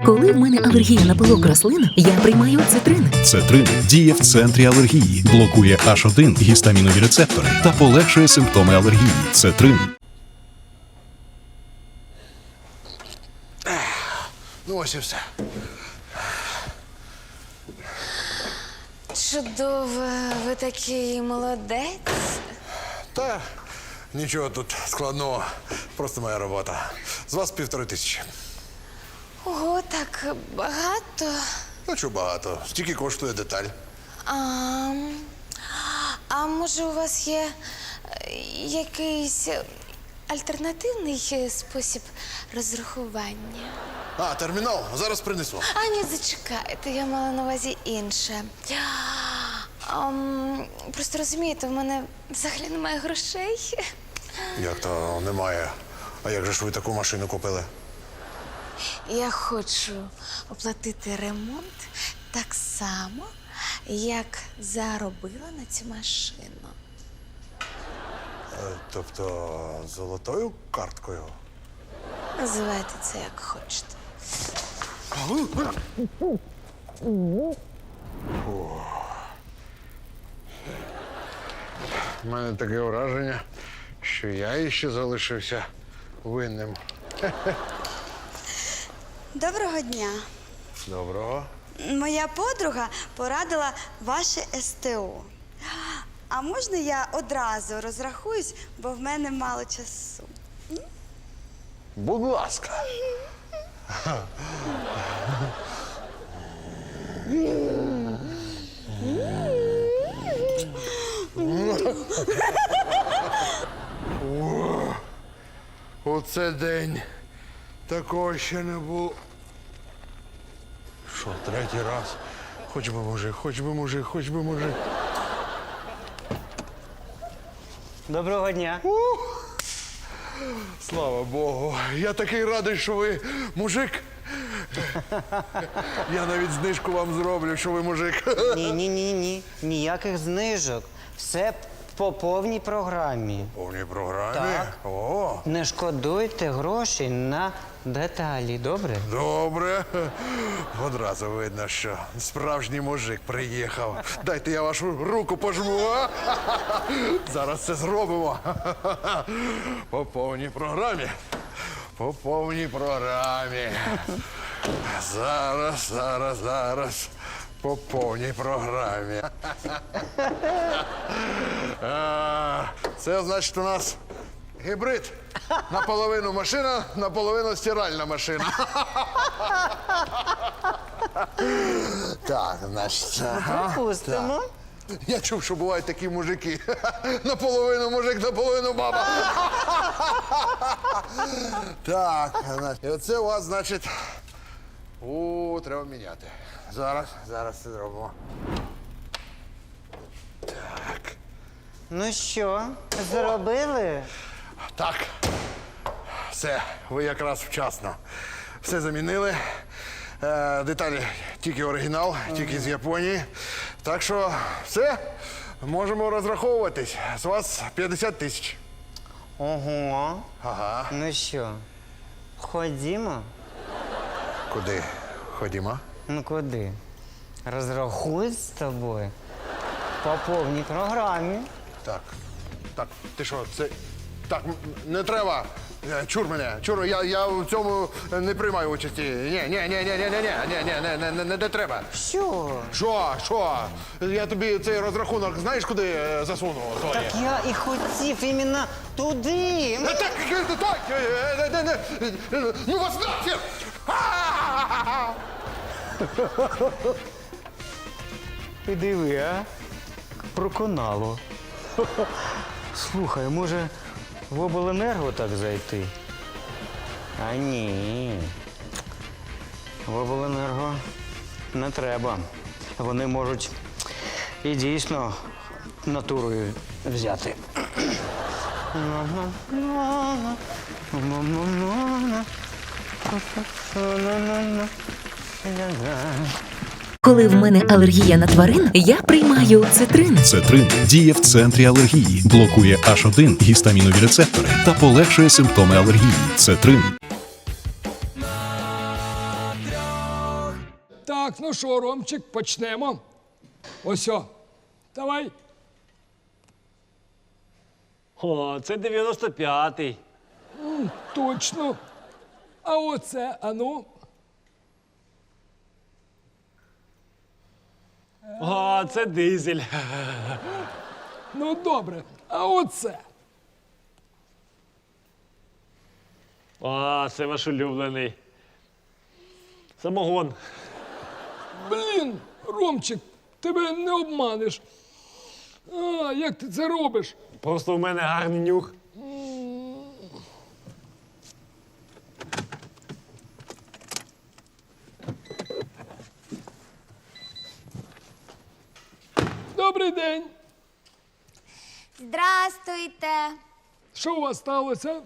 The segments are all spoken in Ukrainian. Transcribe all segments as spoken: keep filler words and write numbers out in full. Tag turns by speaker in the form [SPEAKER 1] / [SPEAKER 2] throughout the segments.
[SPEAKER 1] Коли в мене алергія на пилок рослин, я приймаю цитрин.
[SPEAKER 2] Цетрин діє в центрі алергії, блокує аш один гістамінові рецептори та полегшує симптоми алергії. Цетрин.
[SPEAKER 3] Ну ось і все.
[SPEAKER 4] Чудово, ви такий молодець.
[SPEAKER 3] Та нічого тут складного, просто моя робота. З вас півтори тисячі.
[SPEAKER 4] Ого, так багато.
[SPEAKER 3] Ну, чого багато? Стільки коштує деталь.
[SPEAKER 4] А, а може у вас є е, якийсь альтернативний спосіб розрахування?
[SPEAKER 3] А, термінал, зараз принесу.
[SPEAKER 4] А ні, зачекайте, я мала на увазі інше. Ам, просто розумієте, в мене взагалі немає грошей.
[SPEAKER 3] Як то немає? А як же ж ви таку машину купили?
[SPEAKER 4] Я хочу оплатити ремонт так само, як заробила на цю машину.
[SPEAKER 3] Е, Тобто золотою карткою?
[SPEAKER 4] Називайте це як хочете.
[SPEAKER 3] У мене таке враження, що я іще залишився винним.
[SPEAKER 5] Доброго дня.
[SPEAKER 3] Доброго.
[SPEAKER 5] Моя подруга порадила ваше ес те о. А можна я одразу розрахуюсь, бо в мене мало часу?
[SPEAKER 3] Будь ласка. О, оце день. Такого ще не було. Що, третій раз? Хоч би мужик, хоч би мужик, хоч би мужик.
[SPEAKER 6] Доброго дня.
[SPEAKER 3] Слава Богу. Я такий радий, що ви мужик. Я навіть знижку вам зроблю, що ви мужик.
[SPEAKER 6] Ні, ні, ні, ні. Ніяких знижок. Все по повній програмі.
[SPEAKER 3] Повній програмі?
[SPEAKER 6] Так.
[SPEAKER 3] О,
[SPEAKER 6] Не шкодуйте грошей на деталі, добре?
[SPEAKER 3] добре. Одразу видно, що справжній мужик приїхав. Дайте я вашу руку пожму. А? Зараз це зробимо. По повній програмі. По повній програмі. Зараз, зараз, зараз. По повній програмі. А, Це значить у нас гібрид. Наполовину машина, наполовину стиральна машина. Так, значить. ага,
[SPEAKER 6] Пустимо.
[SPEAKER 3] так. Я чув, що бувають такі мужики. Наполовину мужик, наполовину баба. Так, значить. І оце у вас, значить. У, треба міняти. Зараз, зараз це зробимо. Так.
[SPEAKER 6] Ну що, зробили?
[SPEAKER 3] Так. Все, ви якраз вчасно. Все замінили. Е, деталі тільки оригінал, тільки з Японії. Так що все, можемо розраховуватись. З вас п'ятдесят тисяч.
[SPEAKER 6] Ого.
[SPEAKER 3] Ага.
[SPEAKER 6] Ну що, ходімо?
[SPEAKER 3] Куди? Ходімо.
[SPEAKER 6] Ну куди? Розрахуюсь з тобою по повній програмі.
[SPEAKER 3] Так. Так, ти що, це. Так, м- не треба. Е, Чур мене, чур, я, я в цьому не приймаю участі. Ні, ні, ні, ні, ні, ні, ні, ні, ні, не, не, не, не, не треба.
[SPEAKER 6] Що?
[SPEAKER 3] Що, що? Я тобі цей розрахунок знаєш, куди е, засунув? Той?
[SPEAKER 6] Так я і хотів іменно туди.
[SPEAKER 3] Е, Так, е, так, е, е, не, не, не, ну вас нахер! А!
[SPEAKER 6] Ти диви, а? Проконало. Слухай, може в обленерго так зайти? А ні. В обленерго не треба. Вони можуть і дійсно натурою взяти.
[SPEAKER 1] Коли в мене алергія на тварин, я приймаю цитрин.
[SPEAKER 2] Цетрин діє в центрі алергії, блокує аш один гістамінові рецептори та полегшує симптоми алергії. Цетрин.
[SPEAKER 7] Так, ну що, Ромчик, почнемо. Ось о. Давай.
[SPEAKER 8] О, це дев'яносто п'ятий.
[SPEAKER 7] Точно. А оце, ану.
[SPEAKER 8] О, це дизель.
[SPEAKER 7] Ну добре. А оце.
[SPEAKER 8] О, це ваш улюблений. Самогон.
[SPEAKER 7] Блін, Ромчик, тебе не обманеш. А, як ти це робиш?
[SPEAKER 8] Просто у мене гарний нюх.
[SPEAKER 7] Добрий день.
[SPEAKER 4] Здрастуйте.
[SPEAKER 7] Що у вас сталося?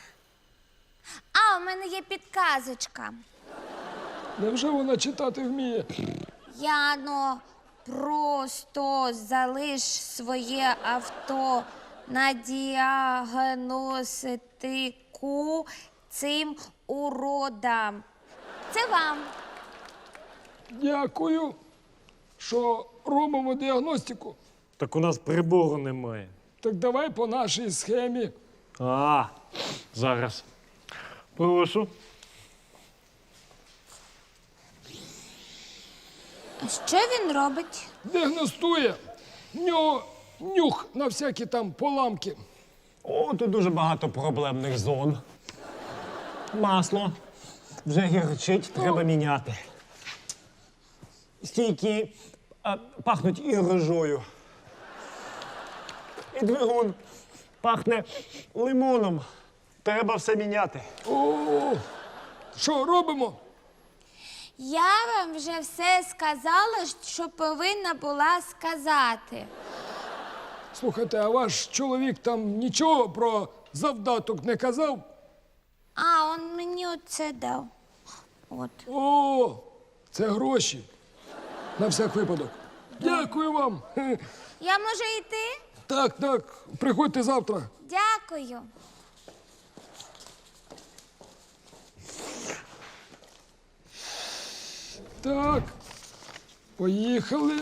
[SPEAKER 4] А, у мене є підказочка.
[SPEAKER 7] Невже вона читати вміє?
[SPEAKER 4] Яно, просто залиш своє авто на діагностику цим уродам. Це вам.
[SPEAKER 7] Дякую, що робимо діагностику.
[SPEAKER 8] Так у нас прибору немає.
[SPEAKER 7] Так давай по нашій схемі.
[SPEAKER 8] А, зараз. Прошу.
[SPEAKER 4] А що він робить?
[SPEAKER 7] Діагностує. В нього нюх на всякі там поламки.
[SPEAKER 8] О, тут дуже багато проблемних зон. Масло. Вже гірчить, треба міняти. Стійки а, пахнуть і рожою. І двигун пахне лимоном. Треба все міняти.
[SPEAKER 7] О, що робимо?
[SPEAKER 4] Я вам вже все сказала, що повинна була сказати.
[SPEAKER 7] Слухайте, а ваш чоловік там нічого про завдаток не казав?
[SPEAKER 4] А, он мені оце дав. От.
[SPEAKER 7] О, це гроші. На всяк випадок. Дякую вам. Хе.
[SPEAKER 4] Я можу йти?
[SPEAKER 7] Так, так, приходьте завтра.
[SPEAKER 4] Дякую.
[SPEAKER 7] Так, поїхали.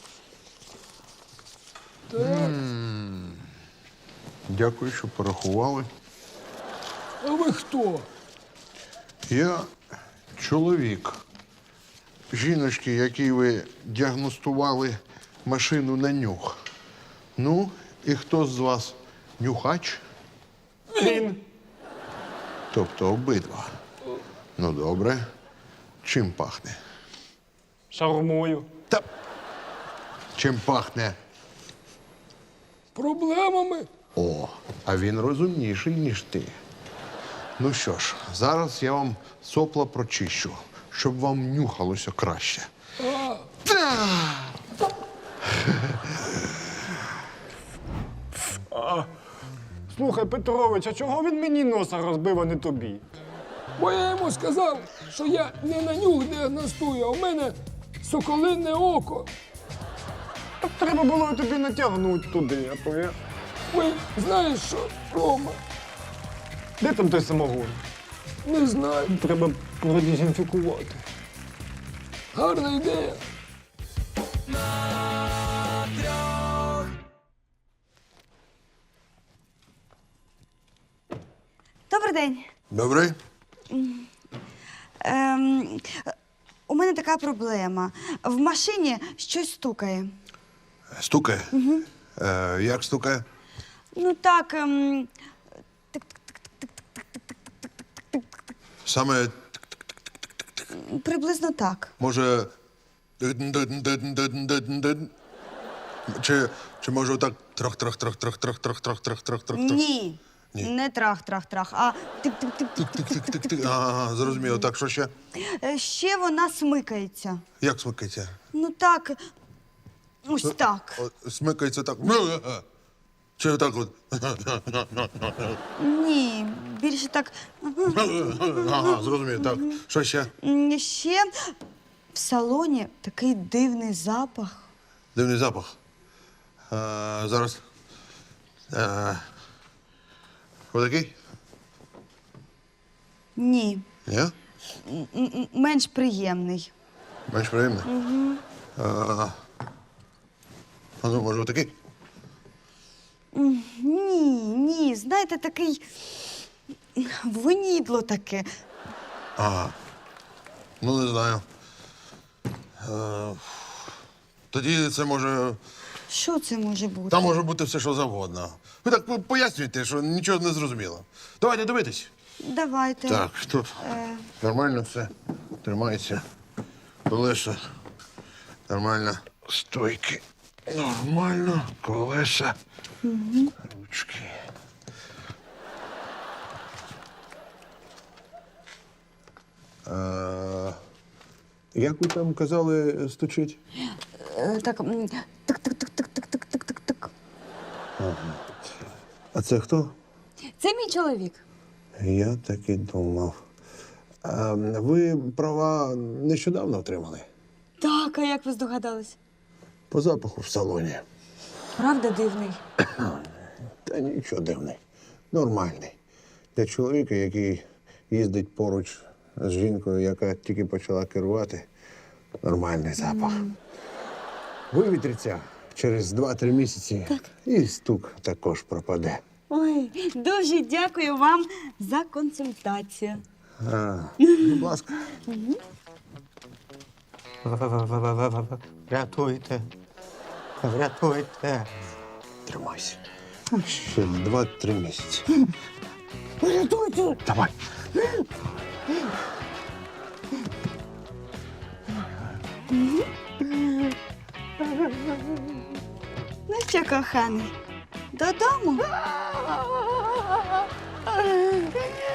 [SPEAKER 7] Так,
[SPEAKER 3] Дякую, що порахували.
[SPEAKER 7] а ви хто?
[SPEAKER 3] Я чоловік. Жіночки, якій ви діагностували машину на нюх. Ну, і хто з вас нюхач?
[SPEAKER 8] Він.
[SPEAKER 3] Тобто обидва. Ну, добре. Чим пахне?
[SPEAKER 8] Шаурмою.
[SPEAKER 3] Та чим пахне?
[SPEAKER 7] Проблемами?
[SPEAKER 3] О, а він розумніший, ніж ти. Ну що ж, зараз я вам сопла прочищу, щоб вам нюхалося краще.
[SPEAKER 8] Слухай, Петрович, а чого він мені носа розбив, а не тобі?
[SPEAKER 7] Бо я йому сказав, що я не на нюх діагностую, а в мене соколине око.
[SPEAKER 8] Так треба було тобі натягнути туди, а то я...
[SPEAKER 7] Ой, знаєш що, Рома,
[SPEAKER 8] Де там той самогон?
[SPEAKER 7] не знаю.
[SPEAKER 8] Треба продезінфікувати.
[SPEAKER 7] Гарна ідея.
[SPEAKER 5] Добрий день.
[SPEAKER 3] Добре?
[SPEAKER 5] Ем, у мене така проблема. В машині щось стукає.
[SPEAKER 3] Стукає? Угу. Е, як стукає?
[SPEAKER 5] Ну так, ем,
[SPEAKER 3] Саме,
[SPEAKER 5] приблизно так.
[SPEAKER 3] може. Чи, чи може так трах-трах-трах-трах-трах-трах-трах-трах-трах?
[SPEAKER 5] Ні.
[SPEAKER 3] Ні.
[SPEAKER 5] Не трах-трах-трах, а тик-тик-тик.
[SPEAKER 3] Тик-тик-тик. Ага, зрозуміло. Так, що ще?
[SPEAKER 5] Е, Ще вона смикається.
[SPEAKER 3] Як смикається?
[SPEAKER 5] Ну так, ось так.
[SPEAKER 3] О, смикається так. Чи так от?
[SPEAKER 5] Ні, більше так.
[SPEAKER 3] Ага, зрозуміло. Так, що ще?
[SPEAKER 5] М, Ще в салоні такий дивний запах.
[SPEAKER 3] Дивний запах. А, зараз. А, отакий?
[SPEAKER 5] Ні,
[SPEAKER 3] Ні?
[SPEAKER 5] м- м- менш приємний.
[SPEAKER 3] Менш приємний? Угу. А, а ну, може, отакий?
[SPEAKER 5] Ні, ні, знаєте, такий вонідло таке.
[SPEAKER 3] Ага. Ну, не знаю. Е, тоді це може.
[SPEAKER 5] Що це може бути?
[SPEAKER 3] Там може бути все, що завгодно. Ви так по- пояснюєте, що нічого не зрозуміло. Давайте дивитись.
[SPEAKER 5] Давайте.
[SPEAKER 3] Так, тут нормально все. Тримається. Колеса. Нормально. Стойки. Нормально. Колеса. Ручки. А, як ви там казали, стучить?
[SPEAKER 5] Е, Так, м, так, так, так, так, так, так, так, так, так.
[SPEAKER 3] А це хто?
[SPEAKER 5] Це мій чоловік.
[SPEAKER 3] Я так і думав. А, ви права нещодавно отримали?
[SPEAKER 5] Так, а як ви здогадались?
[SPEAKER 3] По запаху в салоні.
[SPEAKER 5] Правда дивний?
[SPEAKER 3] Та нічого дивний. Нормальний. Для чоловіка, який їздить поруч з жінкою, яка тільки почала керувати, нормальний запах. Вивітриться через два-три місяці, і стук також пропаде.
[SPEAKER 5] Ой, дуже дякую вам за консультацію.
[SPEAKER 3] А, будь ласка.
[SPEAKER 6] Врятуйте. Врятуйте.
[SPEAKER 3] Тримайся. Ще два-три місяці.
[SPEAKER 5] Рятуйте!
[SPEAKER 3] Давай.
[SPEAKER 5] Ну що, коханий, додому?